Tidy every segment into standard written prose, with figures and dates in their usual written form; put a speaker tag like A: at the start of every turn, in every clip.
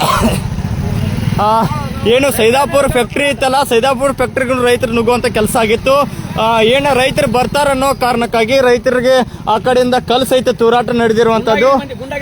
A: ಏನು ಸೈದಾಪುರ ಫ್ಯಾಕ್ಟ್ರಿ ಇತ್ತಲ್ಲ, ಸೈದಾಪುರ ಫ್ಯಾಕ್ಟ್ರಿಗಳು ರೈತರು ನುಗ್ಗುವಂತ ಕೆಲಸ ಆಗಿತ್ತು. ಏನು ರೈತರು ಬರ್ತಾರನ್ನೋ ಕಾರಣಕ್ಕಾಗಿ ರೈತರಿಗೆ ಆ ಕಡೆಯಿಂದ ಕಲ್ ಸಹಿತ ತೂರಾಟ ನಡೆದಿರುವಂತದ್ದು.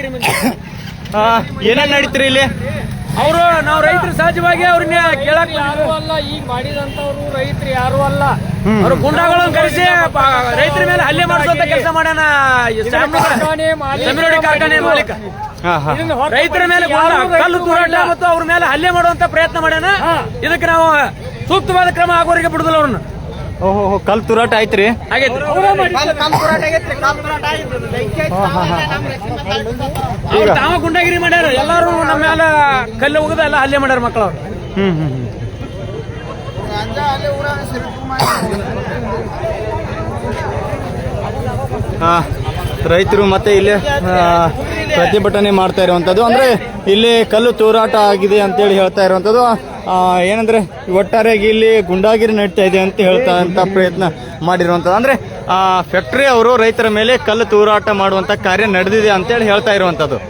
A: ಏನೇನ್ ನಡೀತೀರಿ ಇಲ್ಲಿ?
B: ಅವರು ನಾವು ರೈತರು ಸಹಜವಾಗಿ ಅವ್ರನ್ನ ಕೇಳಕ್ ಯಾರು ಅಲ್ಲ, ಈಗ ಮಾಡಿದಂತವ್ರು ರೈತರು ಯಾರು ಅಲ್ಲ. ಅವರು ಗುಂಡಾಗಳನ್ನು ಕರೆಸಿ ರೈತರ ಮೇಲೆ ಹಲ್ಲೆ ಮಾಡಿಸುವಂತ ಕೆಲಸ ಮಾಡ್ಯಾನ ಸಮಿರೋಡಿ ಕಾರ್ಖಾನೆ ಮಾಲೀಕ. ರೈತರ ಮೇಲೆ ಕಲ್ಲು ತೂರಾಟ ಮತ್ತು ಅವ್ರ ಮೇಲೆ ಹಲ್ಲೆ ಮಾಡುವಂತ ಪ್ರಯತ್ನ ಮಾಡ್ಯಾನ. ಇದಕ್ಕೆ ನಾವು ಸೂಕ್ತವಾದ ಕ್ರಮ ಆಗೋರಿಗೆ ಬಿಡುದಿಲ್ಲ ಅವ್ರನ್ನ.
A: ಓಹೋ, ಕಲ್ ತೂರಾಟ ಆಯ್ತ್ರಿ?
B: ಅವ್ರು ತಾವ ಗುಂಡಾಗಿರಿ ಮಾಡ್ಯಾರ. ಎಲ್ಲಾರು ನಮ್ಮ ಮೇಲೆ ಕಲ್ಲು ಹೋಗದ ಎಲ್ಲ ಹಲ್ಲೆ ಮಾಡ್ಯಾರ ಮಕ್ಕಳು.
A: ರೈತರು ಮತ್ತೆ ಇಲ್ಲಿ ಪ್ರತಿಭಟನೆ ಮಾಡ್ತಾ ಇರುವಂತದ್ದು, ಅಂದ್ರೆ ಇಲ್ಲಿ ಕಲ್ಲು ತೂರಾಟ ಆಗಿದೆ ಅಂತೇಳಿ ಹೇಳ್ತಾ ಇರುವಂತದ್ದು. ಏನಂದ್ರೆ ಒಟ್ಟಾರೆಯಾಗಿ ಇಲ್ಲಿ ಗುಂಡಾಗಿರಿ ನಡೀತಾ ಇದೆ ಅಂತ ಹೇಳ್ತಾ ಪ್ರಯತ್ನ ಮಾಡಿರುವಂತದ್ದು. ಅಂದ್ರೆ ಫ್ಯಾಕ್ಟರಿ ಅವರು ರೈತರ ಮೇಲೆ ಕಲ್ಲು ತೂರಾಟ ಮಾಡುವಂತ ಕಾರ್ಯ ನಡೆದಿದೆ ಅಂತೇಳಿ ಹೇಳ್ತಾ ಇರುವಂತದ್ದು.